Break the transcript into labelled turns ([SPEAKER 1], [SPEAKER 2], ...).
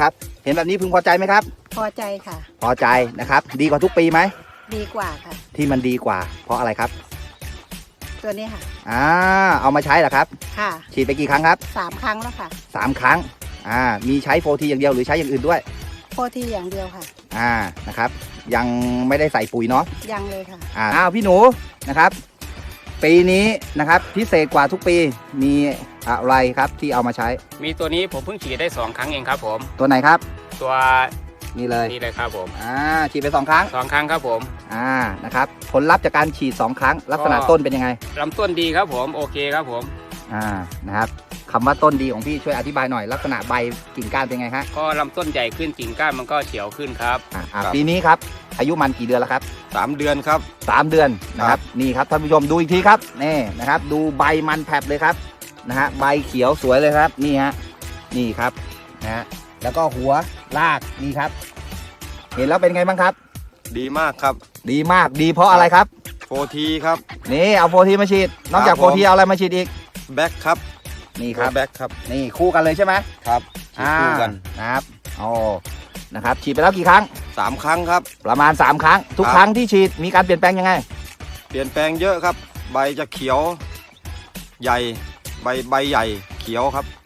[SPEAKER 1] นะครับเห็นแบบนี้พึงพอใจไหมครับ
[SPEAKER 2] พอใจค่ะ
[SPEAKER 1] พอใจนะครับดีกว่าทุกปีไหม
[SPEAKER 2] ดีกว่าค่ะ
[SPEAKER 1] ที่มันดีกว่าเพราะอะไรครับ
[SPEAKER 2] ตัวนี้ค่ะ
[SPEAKER 1] เอามาใช้เหรอครับ
[SPEAKER 2] ค่ะ
[SPEAKER 1] ฉีดไปกี่ครั้งครับ
[SPEAKER 2] 3 ครั้งแล้วค่ะ
[SPEAKER 1] 3 ครั้งมีใช้โฟทีอย่างเดียวหรือใช้อย่างอื่นด้วย
[SPEAKER 2] โฟทีอย่างเดียวค่ะ
[SPEAKER 1] นะครับยังไม่ได้ใส่ปุ๋ยเนาะ
[SPEAKER 2] ยังเลยค่ะ
[SPEAKER 1] พี่หนูนะครับปีนี้นะครับพิเศษกว่าทุกปีมีอะไรครับที่เอามาใช้
[SPEAKER 3] มีตัวนี้ผมเพิ่งฉีดได้2 ครั้งเองครับผม
[SPEAKER 1] ตัวไหนครับ
[SPEAKER 3] ตัว
[SPEAKER 1] นี่เลย
[SPEAKER 3] ครับผม
[SPEAKER 1] ฉีดไป2 ครั้ง
[SPEAKER 3] 2 ครั้งครับผม
[SPEAKER 1] นะครับผลลัพธ์จากการฉีด2 ครั้งลักษณะต้นเป็นยังไง
[SPEAKER 3] ลำต้นดีครับผมโอเคครับผม
[SPEAKER 1] นะครับคำว่าต้นดีของพี่ช่วยอธิบายหน่อยลักษณะใบกิ่งก้านเป็นไงฮะ
[SPEAKER 3] ก็ลำต้นใหญ่ขึ้นกิ่งก้านมันก็เฉียวขึ้นครับ
[SPEAKER 1] ปีนี้ครับอายุมันกี่เดือนแล้วครับ
[SPEAKER 4] 3 เดือนครับ
[SPEAKER 1] 3 เดือนนะครับนี่ครับท่านผู้ชมดูอีกทีครับนี่นะครับดูใบมันแผลบเลยครับนะฮะใบเขียวสวยเลยครับนี่ฮะนี่ครับนะฮะแล้วก็หัวรากนี่ครับเห็นแล้วเป็นไงบ้างครับ
[SPEAKER 4] ดีมากครับ
[SPEAKER 1] ดีมากดีเพราะอะไรครับ
[SPEAKER 4] โฟทีครับ
[SPEAKER 1] นี่เอาโฟทีมาฉีดนอกจากโฟทีเอาอะไรมาฉีดอีก
[SPEAKER 4] แบ็คครับ
[SPEAKER 1] นี่ครับ
[SPEAKER 4] แบ็คครับ
[SPEAKER 1] นี่คู่กันเลยใช่ไหม
[SPEAKER 4] ครับคู่กัน
[SPEAKER 1] นะครับนะครับฉีดไปแล้วกี่ครั้ง
[SPEAKER 4] 3 ครั้งครับ
[SPEAKER 1] ประมาณ3 ครั้งทุกครั้งที่ฉีดมีการเปลี่ยนแปลงยังไง
[SPEAKER 4] เปลี่ยนแปลงเยอะครับใบจะเขียวใหญ่ใบใหญ่เขียวครับ